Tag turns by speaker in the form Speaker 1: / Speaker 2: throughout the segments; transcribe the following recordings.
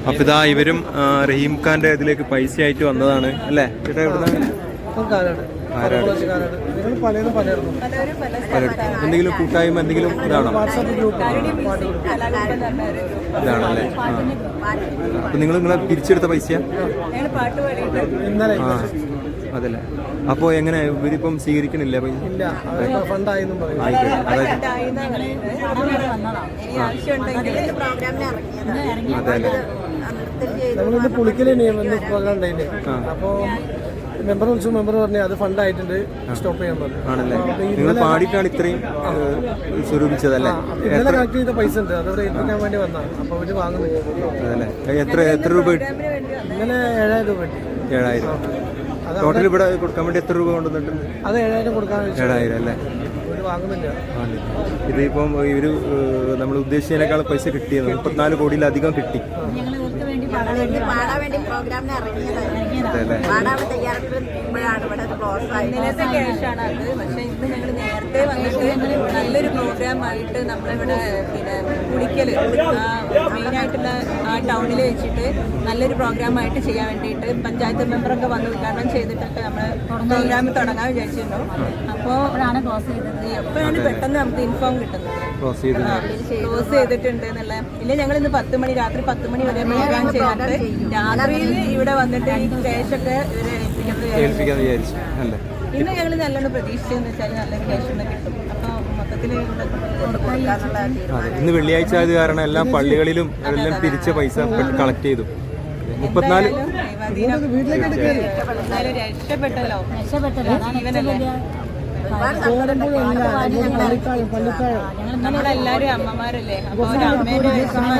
Speaker 1: അപ്പൊ ഇതാ ഇവരും റഹീം ഖാന്റെ ഇതിലേക്ക് പൈസ ആയിട്ട് വന്നതാണ് അല്ലേ ചേട്ടാ? എവിടുന്നാണ്? എന്തെങ്കിലും കൂട്ടായ്മ എന്തെങ്കിലും ഇതാണോ? ഇതാണല്ലേ? അപ്പൊ നിങ്ങളെ പിരിച്ചെടുത്ത പൈസ അതല്ലേ? അപ്പൊ എങ്ങനെ ഇവരിപ്പം സ്വീകരിക്കണില്ല പൈസ?
Speaker 2: നമ്മളിത് പുളിക്കല് പ്രോഗ്രാം ഉണ്ടായില്ലേ, അപ്പൊ മെമ്പർ വിളിച്ചു. മെമ്പർ പറഞ്ഞു അത് ഫണ്ട് ആയിട്ടുണ്ട്, സ്റ്റോപ്പ് ചെയ്യാൻ പറഞ്ഞു.
Speaker 1: ആണല്ലേ? നിങ്ങൾ പാടിയിട്ടാണ് ഇത്രയും സ്വരൂപിച്ചതല്ലേ?
Speaker 2: ഇന്നലെ കളക്ട് ചെയ്ത പൈസ ഉണ്ട്, അതവിടെ ഏൽപ്പിക്കാൻ വേണ്ടി വന്നതാണ്. അപ്പൊ അവര് വാങ്ങുന്നത്
Speaker 1: എത്ര രൂപ?
Speaker 2: ഇന്നലെ 7000 രൂപ.
Speaker 1: 7000 ടോട്ടൽ ഇവിടെ കൊടുക്കാൻ വേണ്ടി എത്ര രൂപ കൊണ്ടുവന്നിട്ടുണ്ട്?
Speaker 2: അത് 7000 കൊടുക്കാൻ.
Speaker 1: 7000 അല്ലേ?
Speaker 2: വാങ്ങുന്നില്ല.
Speaker 1: ഇതിപ്പം ഇവര് നമ്മൾ ഉദ്ദേശിച്ചതിനേക്കാൾ പൈസ കിട്ടിയത് 34 കോടിയിലധികം കിട്ടി.
Speaker 3: ഇന്നലത്തെ ക്യാഷാണ് അത്. പക്ഷെ ഇന്ന് ഞങ്ങൾ നേരത്തെ വന്നിട്ട് നല്ലൊരു പ്രോഗ്രാമായിട്ട് നമ്മളിവിടെ പിന്നെ കുടിക്കൽ മെയിനായിട്ടുള്ള ആ ടൗണിൽ വെച്ചിട്ട് നല്ലൊരു പ്രോഗ്രാമായിട്ട് ചെയ്യാൻ വേണ്ടിയിട്ട് പഞ്ചായത്ത് മെമ്പറൊക്കെ വന്ന് ഉദ്ഘാടനം ചെയ്തിട്ടൊക്കെ നമ്മൾ പ്രോഗ്രാം തുടങ്ങാൻ വിചാരിച്ചിരുന്നു. അപ്പോൾ എപ്പോഴാണ് പെട്ടെന്ന് നമുക്ക് ഇൻഫോം കിട്ടുന്നത് ക്ലോസ് ചെയ്തിട്ടുണ്ട് എന്നുള്ള. ഇല്ല, ഞങ്ങൾ ഇന്ന് 10 മണി രാത്രി 10 മണി വരെ പ്രോഗ്രാം ചെയ്തിട്ട് രാത്രിയിൽ ഇവിടെ വന്നിട്ട് ഈ ക്യാഷൊക്കെ ഇവരെ
Speaker 1: ഏൽപ്പിക്കാന്ന് വിചാരിച്ചു അല്ലേ?
Speaker 3: ഇന്ന് ഞങ്ങൾ നല്ലോണം പ്രതീക്ഷിച്ചെന്ന് വെച്ചാൽ നല്ലൊരു ക്യാഷ് ഒന്ന് കിട്ടും. അപ്പോൾ മൊത്തത്തിൽ
Speaker 1: ഇന്ന് വെള്ളിയാഴ്ച ആയത് കാരണം എല്ലാ പള്ളികളിലും എല്ലാം പിരിച്ച പൈസ കളക്ട് ചെയ്തു. 34
Speaker 3: രക്ഷപ്പെട്ടല്ലോ. നമ്മളെല്ലാരും അമ്മമാരല്ലേ, അപ്പൊ അമ്മേന്റെ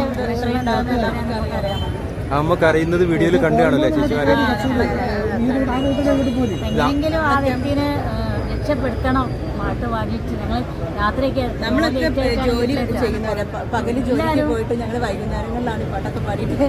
Speaker 1: അമ്മക്ക് അറിയുന്നത് വീഡിയോയിൽ കണ്ടു കാണല്ലേ ചേച്ചിമാരെ?
Speaker 4: എങ്ങനെയെങ്കിലും ആ വ്യക്തിനെ രക്ഷപ്പെടുത്തണം. പാട്ട് പാടിയിട്ട് ഞങ്ങൾ രാത്രിയൊക്കെ
Speaker 3: നമ്മളൊക്കെ ജോലി ചെയ്യുന്നവരെ പകല് ജോലിക്ക് പോയിട്ട് ഞങ്ങൾ വൈകുന്നേരങ്ങളിലാണ് പാട്ടൊക്കെ പാടിയിട്ട്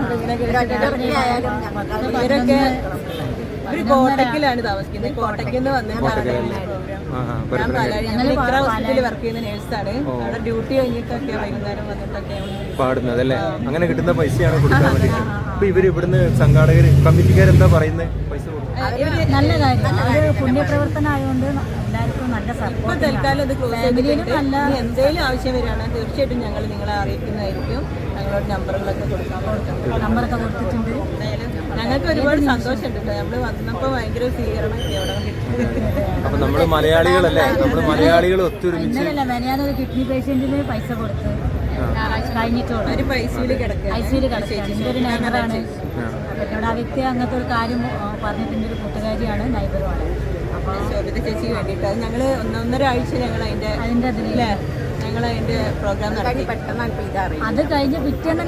Speaker 3: ഇവരൊക്കെ ഒരു കോട്ടക്കിലാണ് താമസിക്കുന്നത്. കോട്ടക്കിന്ന് വന്നിട്ടാണ് ഞങ്ങൾ ഇത്ര ഹോസ്പിറ്റലിൽ വർക്ക് ചെയ്യുന്ന നേഴ്സാണ്. അവിടെ ഡ്യൂട്ടി കഴിഞ്ഞിട്ടൊക്കെ വൈകുന്നേരം വന്നിട്ടൊക്കെ
Speaker 1: പാടുന്നത് അല്ലേ? അങ്ങനെ കിട്ടുന്ന പൈസയാണ് കൊടുക്കാൻ വേണ്ടിയിട്ട്. അപ്പൊ ഇവര് ഇവിടുന്ന് സംഘാടകർ കമ്മിറ്റിക്കാരെന്താ പറയുന്നത്? പൈസ
Speaker 4: നല്ല കാര്യം, ഒരു പുണ്യപ്രവർത്തനം ആയതുകൊണ്ട് എല്ലാവർക്കും നല്ല സപ്പോർട്ട്.
Speaker 3: തൽക്കാലം അത് ക്ലോസ് ചെയ്തിട്ടുണ്ട്. എന്തെങ്കിലും ആവശ്യം വരികയാണ് തീർച്ചയായിട്ടും ഞങ്ങൾ നിങ്ങളെ അറിയിക്കുന്നതായിരിക്കും. ഞങ്ങളോട് നമ്പറുകളൊക്കെ
Speaker 4: നമ്പറൊക്കെ കൊടുത്തിട്ടുണ്ട്.
Speaker 3: ഞങ്ങൾക്ക് ഒരുപാട് സന്തോഷമുണ്ട് കേട്ടോ. നമ്മൾ വന്നപ്പോൾ ഭയങ്കര സ്വീകരണം അവിടെ കിട്ടും.
Speaker 1: അപ്പൊ നമ്മള് മലയാളികളല്ലേ? നമ്മള് മലയാളികൾ ഒത്തൊരുമിച്ച്
Speaker 4: ഞാനൊരു കിഡ്നി പേഷ്യന്റിന് പൈസ കൊടുത്ത് കഴിഞ്ഞിട്ടുള്ളൂ.
Speaker 3: ഒരു ഐസിയുല് കിടക്കുക.
Speaker 4: എൻ്റെ ഒരു നൈബറാണ്. എന്നോട് ആ വ്യക്തി അങ്ങനത്തെ ഒരു കാര്യം പറഞ്ഞിട്ടുണ്ട്. ഒരു കൂട്ടുകാരിയാണ്, നൈബറുമാണ്. അപ്പോൾ
Speaker 3: ശോഭിത ചേച്ചിക്ക് വേണ്ടിയിട്ട് ഞങ്ങൾ 1.5 ആഴ്ച ഞങ്ങൾ അതിൻ്റെ അതിലെ ഞങ്ങൾ അതിന്റെ പ്രോഗ്രാം നടത്തി. പെട്ടെന്നാണ് ഇതറിയാം.
Speaker 4: അത് കഴിഞ്ഞ് പിറ്റേന്ന്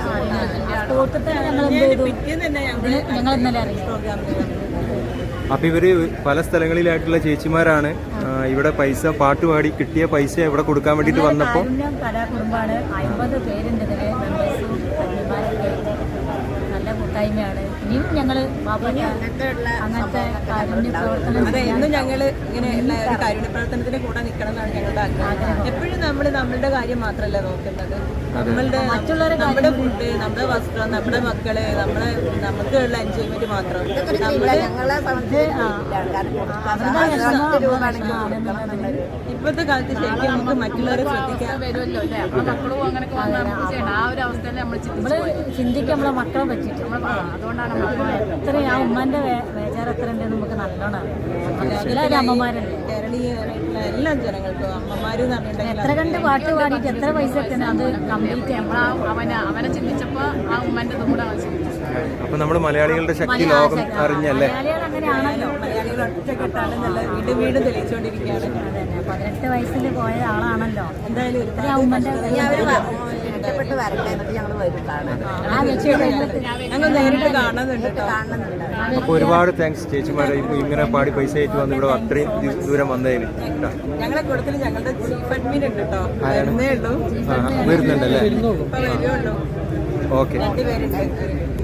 Speaker 4: ഞങ്ങൾ ഇന്നലെ അറിയാം പ്രോഗ്രാം.
Speaker 1: അപ്പൊ ഇവര് പല സ്ഥലങ്ങളിലായിട്ടുള്ള ചേച്ചിമാരാണ് ഇവിടെ പൈസ പാട്ടുപാടി കിട്ടിയ പൈസ ഇവിടെ കൊടുക്കാൻ വേണ്ടിട്ട് വന്നപ്പോ
Speaker 4: കലാകുടുംബാണ്. 50 പേരുണ്ട് ഇതില്. മെമ്പേഴ്സും നല്ല കൂട്ടായ്മയാണ്. ഇനിയും ഞങ്ങള് അങ്ങനത്തെ കാരുണ്യ പ്രവർത്തനം
Speaker 3: എന്നും ഞങ്ങൾ ഇങ്ങനെയുള്ള ഒരു കാരുണ്യ പ്രവർത്തനത്തിന്റെ കൂടെ നിൽക്കണം എന്നാണ് ഞങ്ങളുടെ ആഗ്രഹം. എപ്പോഴും നമ്മൾ നമ്മളുടെ കാര്യം മാത്രമല്ല നോക്കുന്നത്. മറ്റുള്ളവരെ നമ്മുടെ ഫുഡ്, നമ്മുടെ വസ്ത്രം, നമ്മുടെ മക്കള്, നമുക്കുള്ള എൻജോയ്മെന്റ് മാത്രം. ഇപ്പോഴത്തെ കാലത്ത് ശരിക്കും നമുക്ക് മറ്റുള്ളവരെ ശ്രദ്ധിക്കാൻ വരുമല്ലോ.
Speaker 4: ചിന്തിക്കാൻ നമ്മളെ മക്കളെ പറ്റിയിട്ട് അതുകൊണ്ടാണ് എത്ര ആ ഉമ്മാന്റെ വേചാരം എത്ര ഉണ്ടെന്ന് നമുക്ക് നല്ലോണം എല്ലാവരും അമ്മമാരല്ലേ.
Speaker 3: കേരളീയരായിട്ടുള്ള എല്ലാ ജനങ്ങൾക്കും അമ്മമാര്
Speaker 4: എത്ര കണ്ട് പാട്ട് പാടിയിട്ട് എത്ര പൈസ എത്തുന്നത് അത് കംപ്ലീറ്റ്
Speaker 3: അവനെ ചിന്തിച്ചപ്പോ ആ ഉമ്മന്റെ കൂടെ
Speaker 1: അപ്പൊ നമ്മള് മലയാളികളുടെ ശക്തി ലോകം അറിഞ്ഞല്ലേ?
Speaker 4: മലയാളികൾ അങ്ങനെയാണല്ലോ.
Speaker 3: മലയാളികൾ ഒറ്റക്കെട്ടാണ് നല്ല വീണ്ടും വീണ്ടും തെളിയിച്ചുകൊണ്ടിരിക്കുകയാണ്.
Speaker 4: 18 വയസ്സിൽ പോയ ആളാണല്ലോ.
Speaker 3: എന്തായാലും ഞങ്ങൾ നേരിട്ട് കാണുന്നുണ്ട്.
Speaker 1: അപ്പൊ ഒരുപാട് താങ്ക്സ് ചേച്ചിമാരെ ഇങ്ങനെ പാടി പൈസ ആയിട്ട് വന്ന് ഇവിടെ അത്രയും ദൂരം വന്നതിന്.
Speaker 3: ഞങ്ങളെ കൂട്ടത്തിൽ ഞങ്ങളുടെ ചീഫ് അഡ്മിൻ ഉണ്ട് കേട്ടോ. വരുന്നേ ഉള്ളൂ.
Speaker 1: വരുന്നുണ്ടല്ലേ?
Speaker 3: ഇപ്പൊ വരുള്ളൂ.
Speaker 1: ഓക്കെ.
Speaker 3: 2 പേരുണ്ട്.